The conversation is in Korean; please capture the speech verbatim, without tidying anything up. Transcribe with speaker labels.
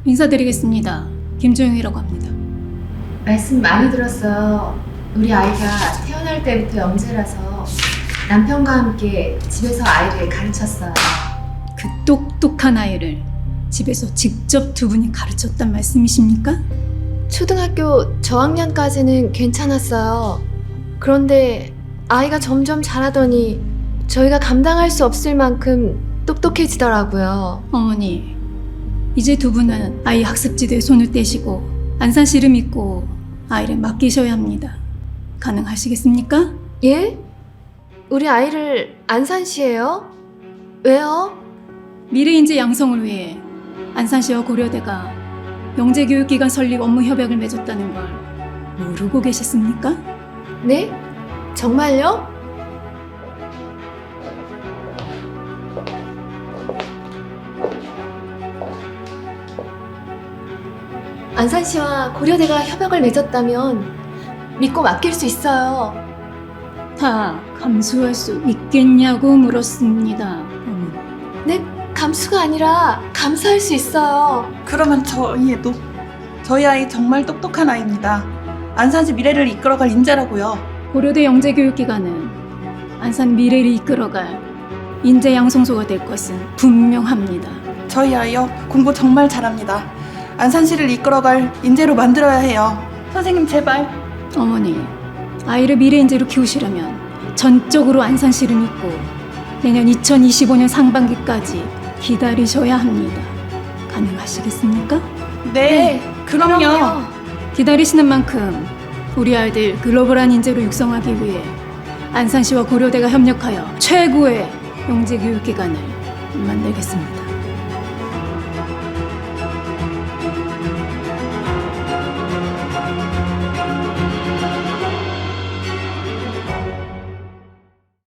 Speaker 1: 인사드리겠습니다. 김조영이라고 합니다.
Speaker 2: 말씀 많이 들었어요. 우리 아이가 태어날 때부터 영재라서 남편과 함께 집에서 아이를 가르쳤어요.
Speaker 1: 그 똑똑한 아이를 집에서 직접 두 분이 가르쳤단 말씀이십니까?
Speaker 2: 초등학교 저학년까지는 괜찮았어요. 그런데 아이가 점점 자라더니 저희가 감당할 수 없을 만큼 똑똑해지더라고요.
Speaker 1: 어머니, 이제 두 분은 아이 학습지대에 손을 떼시고 안산시를 믿고 아이를 맡기셔야 합니다. 가능하시겠습니까?
Speaker 2: 예? 우리 아이를 안산시에요? 왜요?
Speaker 1: 미래인재 양성을 위해 안산시와 고려대가 영재교육기관 설립 업무 협약을 맺었다는 걸 모르고 계셨습니까?
Speaker 2: 네? 정말요? 안산시와 고려대가 협약을 맺었다면 믿고 맡길 수 있어요.
Speaker 1: 다 감수할 수 있겠냐고 물었습니다. 어머니.
Speaker 2: 네, 감수가 아니라 감사할 수 있어요.
Speaker 3: 그러면 저희도 저희 아이 정말 똑똑한 아이입니다. 안산시 미래를 이끌어갈 인재라고요.
Speaker 1: 고려대 영재교육기관은 안산 미래를 이끌어갈 인재 양성소가 될 것은 분명합니다.
Speaker 3: 저희 아이요 공부 정말 잘합니다. 안산시를 이끌어갈 인재로 만들어야 해요. 선생님 제발.
Speaker 1: 어머니, 아이를 미래인재로 키우시려면 전적으로 안산시를 믿고 내년 이천이십오 년 상반기까지 기다리셔야 합니다. 가능하시겠습니까?
Speaker 3: 네, 그럼요.
Speaker 1: 기다리시는 만큼 우리 아이들 글로벌한 인재로 육성하기 위해 안산시와 고려대가 협력하여 최고의 영재교육기관을 만들겠습니다.